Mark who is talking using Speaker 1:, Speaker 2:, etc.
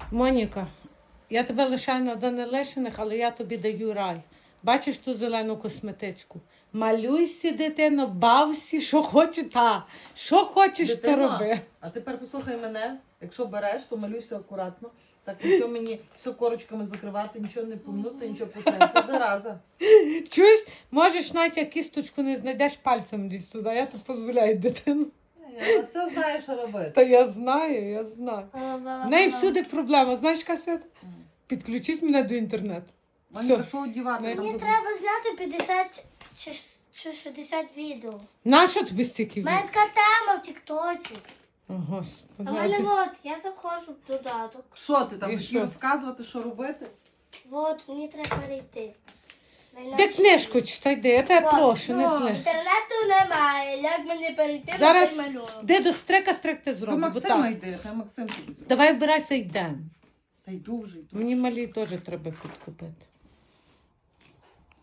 Speaker 1: Моніка, я тебе лишаю на Данилишиних, але я тобі даю рай. Бачиш ту зелену косметичку? Малюйся, дитино, бався, що хочеш, що хочеш, то
Speaker 2: Дитино,
Speaker 1: роби.
Speaker 2: а тепер послухай мене. Якщо береш, то малюйся акуратно. Так, нічого мені все корочками закривати, нічого не помнути, нічого потрапити. Зараза.
Speaker 1: Чуєш, можеш навіть як кісточку не знайдеш, пальцем лізь туди, я тобі дозволяю, дитину.
Speaker 2: Я все знаю, що робити.
Speaker 1: Та я знаю. В неї всюди проблема. Знаєш, Касет? Підключіть мене до інтернету.
Speaker 2: Моніка, що одівати?
Speaker 1: Не.
Speaker 2: Там
Speaker 3: Мені
Speaker 2: буде?
Speaker 3: треба зняти 50 чи 60 відео.
Speaker 1: Нащо тобі стільки
Speaker 3: У мене
Speaker 1: від?
Speaker 3: така тема в Тіктоці.
Speaker 1: О, Господи.
Speaker 3: А в мене от, я заходжу в додаток.
Speaker 2: Що ти там
Speaker 1: І
Speaker 2: будеш
Speaker 1: що?
Speaker 2: розказувати, що робити?
Speaker 3: От, мені треба перейти.
Speaker 1: Де книжку читай, де? Я тебе
Speaker 3: О,
Speaker 1: прошу, не зли.
Speaker 3: Інтернету немає, як мені перейти
Speaker 1: Зараз
Speaker 3: на цей малюнок?
Speaker 1: де до стрик ти
Speaker 2: До
Speaker 1: зробиш. бо
Speaker 2: Максима
Speaker 1: так.
Speaker 2: йди, хай Максим тобі зробить.
Speaker 1: Давай вбирайся йдемо.
Speaker 2: Та йду вже, йду.
Speaker 1: Мені малі теж треба підкупити.